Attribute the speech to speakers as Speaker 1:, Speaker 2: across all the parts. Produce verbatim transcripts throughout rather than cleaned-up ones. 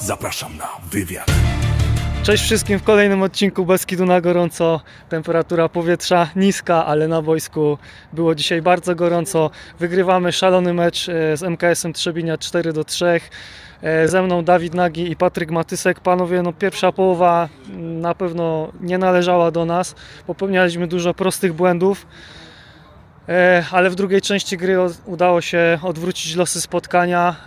Speaker 1: Zapraszam na wywiad.
Speaker 2: Cześć wszystkim w kolejnym odcinku Beskidu na gorąco. Temperatura powietrza niska, ale na boisku było dzisiaj bardzo gorąco. Wygrywamy szalony mecz z M K S-em Trzebinia cztery do trzech. Ze mną Dawid Nagi i Patryk Matysek. Panowie, no pierwsza połowa na pewno nie należała do nas. Popełnialiśmy dużo prostych błędów, ale w drugiej części gry udało się odwrócić losy spotkania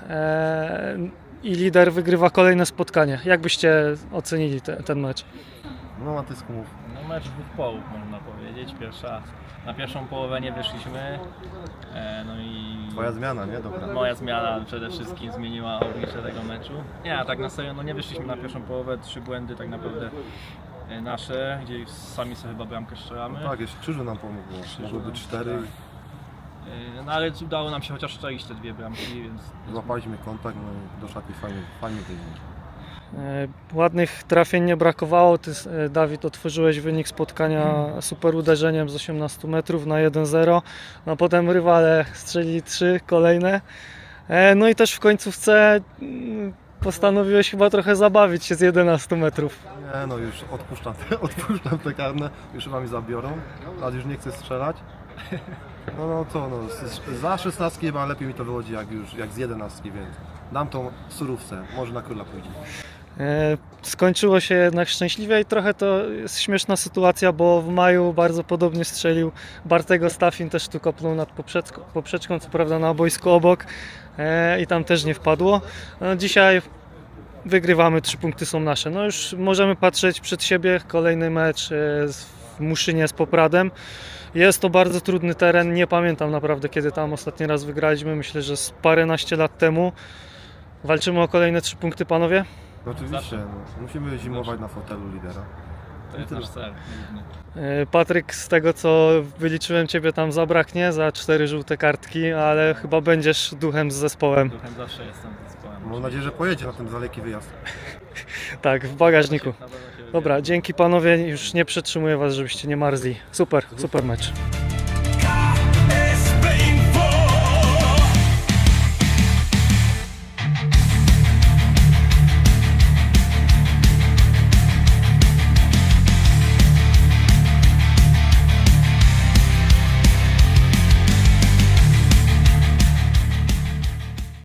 Speaker 2: i lider wygrywa kolejne spotkanie. Jak byście ocenili te, ten mecz?
Speaker 3: No Matysku mów.
Speaker 4: No mecz dwóch połów można powiedzieć. Pierwsza, na pierwszą połowę nie wyszliśmy. E, no i
Speaker 3: Twoja zmiana, nie? Dobra.
Speaker 4: moja zmiana przede wszystkim zmieniła oblicze tego meczu. Nie, a tak na serio, no nie wyszliśmy na pierwszą połowę. Trzy błędy tak naprawdę e, nasze, gdzie sami sobie chyba bramkę strzelamy.
Speaker 3: Tak, jeszcze Krzyżu nam pomógł. Mogło być cztery.
Speaker 4: tak. E, no ale udało nam się chociaż strzelić te dwie bramki, więc...
Speaker 3: Złapaliśmy kontakt, no i do szatni fajnie, fajnie wygląda.
Speaker 2: E, Ładnych trafień nie brakowało. Ty, e, Dawid, otworzyłeś wynik spotkania super uderzeniem z osiemnastu metrów na jeden zero. No potem rywale strzelili trzy kolejne. E, No i też w końcówce mm, postanowiłeś chyba trochę zabawić się z jedenastu metrów.
Speaker 3: Nie no, już odpuszczam te, odpuszczam te karne, już chyba mi zabiorą, ale już nie chcę strzelać. No no co, no, z- za szesnastki chyba lepiej mi to wychodzi jak już, jak z jedenastki, więc dam tą surówce, może na króla pójdzie.
Speaker 2: E, Skończyło się jednak szczęśliwie i trochę to jest śmieszna sytuacja, bo w maju bardzo podobnie strzelił Bartego Stafin, też tu kopnął nad poprzeczką, poprzeczką, co prawda na boisku obok, e, i tam też nie wpadło. No, dzisiaj wygrywamy, trzy punkty są nasze. No już możemy patrzeć przed siebie, kolejny mecz e, w Muszynie z Popradem. Jest to bardzo trudny teren, nie pamiętam naprawdę kiedy tam ostatni raz wygraliśmy, myślę, że z paręnaście lat temu. Walczymy o kolejne trzy punkty, panowie?
Speaker 3: No oczywiście, no, musimy zimować na fotelu lidera.
Speaker 4: To jest nasz cel. główny.
Speaker 2: E, Patryk, z tego co wyliczyłem, ciebie tam zabraknie za cztery żółte kartki, ale chyba będziesz duchem z zespołem.
Speaker 4: Duchem zawsze jestem z zespołem.
Speaker 3: Mam nadzieję, że pojedzie na ten daleki wyjazd.
Speaker 2: Tak, w bagażniku.
Speaker 4: Na pewno się
Speaker 2: Dobra, dzięki panowie, już nie przetrzymuję was, żebyście nie marzli. Super, super mecz.